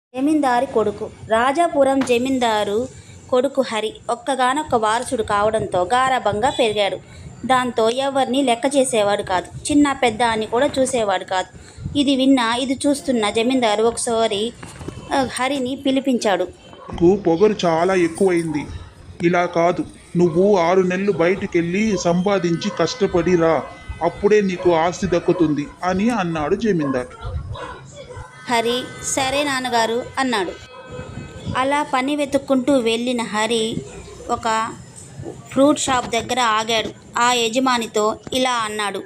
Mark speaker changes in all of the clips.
Speaker 1: జమీందారి కొడుకు. రాజాపురం జమీందారు కొడుకు హరి ఒక్కగానొక్క వారసుడు కావడంతో గారాబంగా పెరిగాడు. దాంతో ఎవరిని లెక్క చేసేవాడు కాదు. చిన్న పెద్ద అని కూడా చూసేవాడు కాదు. ఇది చూస్తున్న జమీందారు ఒకసారి హరిని పిలిపించాడు.
Speaker 2: నీకు పొగరు చాలా ఎక్కువైంది. ఇలా కాదు, నువ్వు 6 నెలలు బయటికెళ్ళి సంపాదించి కష్టపడి రా, అప్పుడే నీకు ఆస్తి దక్కుతుంది అని అన్నాడు జమీందారు.
Speaker 1: హరి సరే నాన్నగారు అన్నాడు. అలా పని వెతుక్కుంటూ వెళ్ళిన హరి ఒక ఫ్రూట్ షాప్ దగ్గర ఆగాడు. ఆ యజమానితో ఇలా అన్నాడు.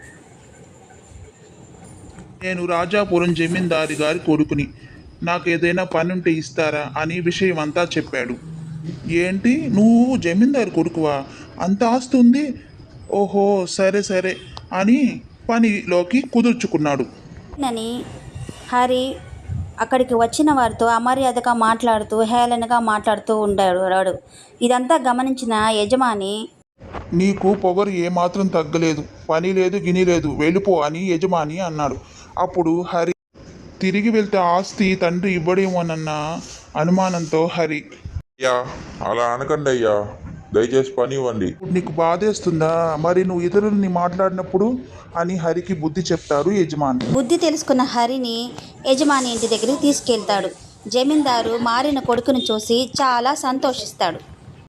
Speaker 2: నేను రాజాపురం జమీందారి గారి కొడుకుని, నాకు ఏదైనా పని ఉంటే ఇస్తారా అని విషయం అంతా చెప్పాడు. ఏంటి, నువ్వు జమీందారు కొడుకువా? అంత ఆస్తి ఉంది? ఓహో, సరే సరే అని పనిలోకి కుదుర్చుకున్నాడు.
Speaker 1: అని హరి అక్కడికి వచ్చిన వారితో అమర్యాదగా మాట్లాడుతూ హేళనగా మాట్లాడుతూ ఉంటాడు. ఇదంతా గమనించిన యజమాని,
Speaker 2: నీకు పొగరు ఏమాత్రం తగ్గలేదు, పని లేదు గిని లేదు, వెళ్ళిపో అని యజమాని అన్నాడు. అప్పుడు హరి తిరిగి వెళ్తే ఆస్తి తండ్రి ఇవ్వడేమోనన్న అనుమానంతో హరి,
Speaker 3: అయ్యా అలా అనకండి అయ్యా, దయచేసి పని ఇవ్వండి.
Speaker 2: ఇప్పుడు నీకు బాధేస్తుందా? మరి నువ్వు ఇతరులని మాట్లాడినప్పుడు అని హరికి బుద్ధి చెప్తారు యజమాని.
Speaker 1: బుద్ధి తెలుసుకున్న హరిని యజమాని ఇంటి దగ్గరికి తీసుకెళ్తాడు. జమీందారు మారిన కొడుకును చూసి చాలా సంతోషిస్తాడు.